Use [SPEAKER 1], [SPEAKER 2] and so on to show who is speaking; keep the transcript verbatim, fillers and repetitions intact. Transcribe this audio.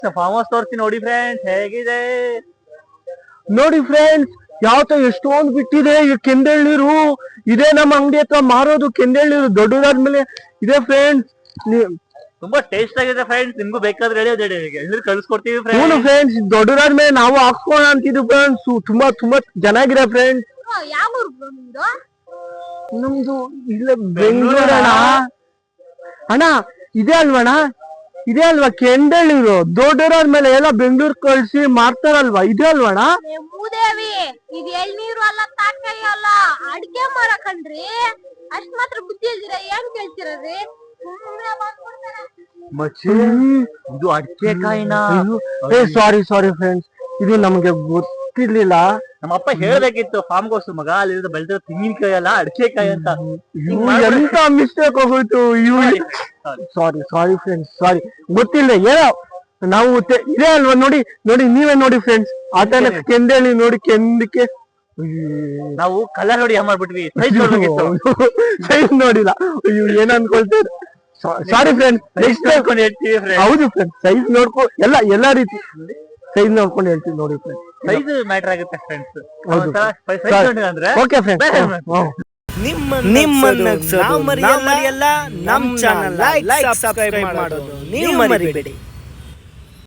[SPEAKER 1] Farm house ತೋರಿಸಿ ನೋಡಿ friends ಹೇಗಿದೆ
[SPEAKER 2] ನೋಡಿ ಫ್ರೆಂಡ್ಸ್ ಯಾವತ್ತ ಎಷ್ಟೊಂದು ಬಿಟ್ಟಿದೆ ಈ ಕೆಂದೆಳ್ನೀರು ಇದೇ ನಮ್ಮ ಅಂಗಡಿ ಹತ್ರ ಮಾರೋದು ಕೆಂದೆಳ್ನೀರು ದೊಡ್ಡದಾದ್ಮೇಲೆ ಇದೆ ಫ್ರೆಂಡ್ಸ್.
[SPEAKER 1] ತುಂಬಾ ಟೇಸ್ಟ್ ಆಗಿದೆ ಫ್ರೆಂಡ್ಸ್, ನಿಮ್ಗೂ ಬೇಕಾದ್ರೆ ಹೇಳಿ ಅದೇ ಎಳ್ನೀರು ಕಳ್ಸಿಕೊಡ್ತೀವಿ
[SPEAKER 2] ಫ್ರೆಂಡ್ಸ್. ಫ್ರೆಂಡ್ಸ್ ದೊಡ್ಡದಾದ್ಮೇಲೆ ನಾವು ಹಾಕ್ಸೋಣ ಅಂತಿದ್ವಿ ಫ್ರೆಂಡ್ಸ್, ತುಂಬಾ ತುಂಬಾ ಚೆನ್ನಾಗಿದೆ ಫ್ರೆಂಡ್ಸ್. ನಮ್ದು ಇಲ್ಲ ಬೆಂಗಳೂರು ಅಣ್ಣ. ಅಣ್ಣ ಇದೆ ಅಲ್ವಣ್ಣ, ಇದೆ ಅಲ್ವಾ ಕೆಂದೆಳ್ನೀರು ದೊಡ್ಡದಾದ್ಮೇಲೆ ಎಲ್ಲ ಬೆಂಗಳೂರು ಕಳ್ಸಿ ಮಾರ್ತಾರಲ್ವಾ, ಇದೆ ಅಲ್ವಣ್ಣ?
[SPEAKER 3] ಮೂದೇವಿ ಇದು ಎಳ್ನೀರು ಅಲ್ಲ, ತರಕಾರಿ ಅಲ್ಲ, ಅಡ್ಗೆ ಮಾಡಕಂಡ್ರಿ. ಅಷ್ಟ್ ಮಾತ್ರ ಬುದ್ಧಿ ಇಲ್ದಿರ ಏನ್ ಕೇಳ್ತಿರದ್ರಿ?
[SPEAKER 1] ಇದು ಅಡಿಕೆ ಕಾಯಿನ.
[SPEAKER 2] ಸಾರಿ ಸಾರಿ ಫ್ರೆಂಡ್ಸ್, ಇದು ನಮ್ಗೆ ಗೊತ್ತಿರ್ಲಿಲ್ಲ.
[SPEAKER 1] ನಮ್ಮ ಅಪ್ಪ ಹೇಳ್ಬೇಕಿತ್ತು ಫಾರ್ಮ್ ಹೌಸ್ ಮಗ ಅಲ್ಲಿ ಬೆಳೆದ ತೆಂಗಿನಕಾಯಿ ಅಲ್ಲ ಅಡಿಕೆ ಕಾಯಿ ಅಂತ.
[SPEAKER 2] ಎಂತ ಮಿಸ್ಟೇಕ್ ಹೋಗೋಯ್ತು. ಸಾರಿ ಸಾರಿ ಫ್ರೆಂಡ್ಸ್, ಸಾರಿ ಗೊತ್ತಿಲ್ಲ. ಏನೋ ನಾವು ಇದೆ ಅಲ್ವಾ, ನೋಡಿ ನೋಡಿ ನೀವೇ ನೋಡಿ ಫ್ರೆಂಡ್ಸ್, ಆತ ಕೆಂದೇಳಿ ನೋಡಿ ಕೆಂದಕ್ಕೆ
[SPEAKER 1] ನಾವು ಕಲರ್ ನೋಡಿ ಮಾಡ್ಬಿಟ್ವಿ, ಸೈಜ್ ನೋಡ್ಬೇಕಿತ್ತು,
[SPEAKER 2] ಸೈಜ್ ನೋಡಿಲ್ಲ. ಅಯ್ಯೋ ಏನ್ ಅನ್ಕೊಳ್ತಾರೆ. ಸಾರಿ ಫ್ರೆಂಡ್ಸ್, ನೆಕ್ಸ್ಟ್
[SPEAKER 1] ನೋಡ್ಕೊಂಡು ಹೇಳ್ತೀವಿ.
[SPEAKER 2] ಹೌದು ಫ್ರೆಂಡ್ಸ್, ಸೈಜ್ ನೋಡ್ಕೊ ಎಲ್ಲ ಎಲ್ಲಾ ರೀತಿ ಸೈಜ್ ನೋಡ್ಕೊಂಡು ಹೇಳ್ತೀವಿ ನೋಡಿ ಫ್ರೆಂಡ್ಸ್.
[SPEAKER 1] ಸೈಜ್ ಮ್ಯಾಟರ್ ಆಗುತ್ತೆ ಫ್ರೆಂಡ್ಸ್.
[SPEAKER 2] ಓಕೆ ಫ್ರೆಂಡ್ಸ್,
[SPEAKER 4] ನಿಮ್ಮನ್ನ ನಾವು ಮರೆಯಲ್ಲ, ನಮ್ಮ ಚಾನಲ್ ಲೈಕ್ ಸಬ್ಸ್ಕ್ರೈಬ್ ಮಾಡೋದು ನೀವು ಮರಿಬೇಡಿ.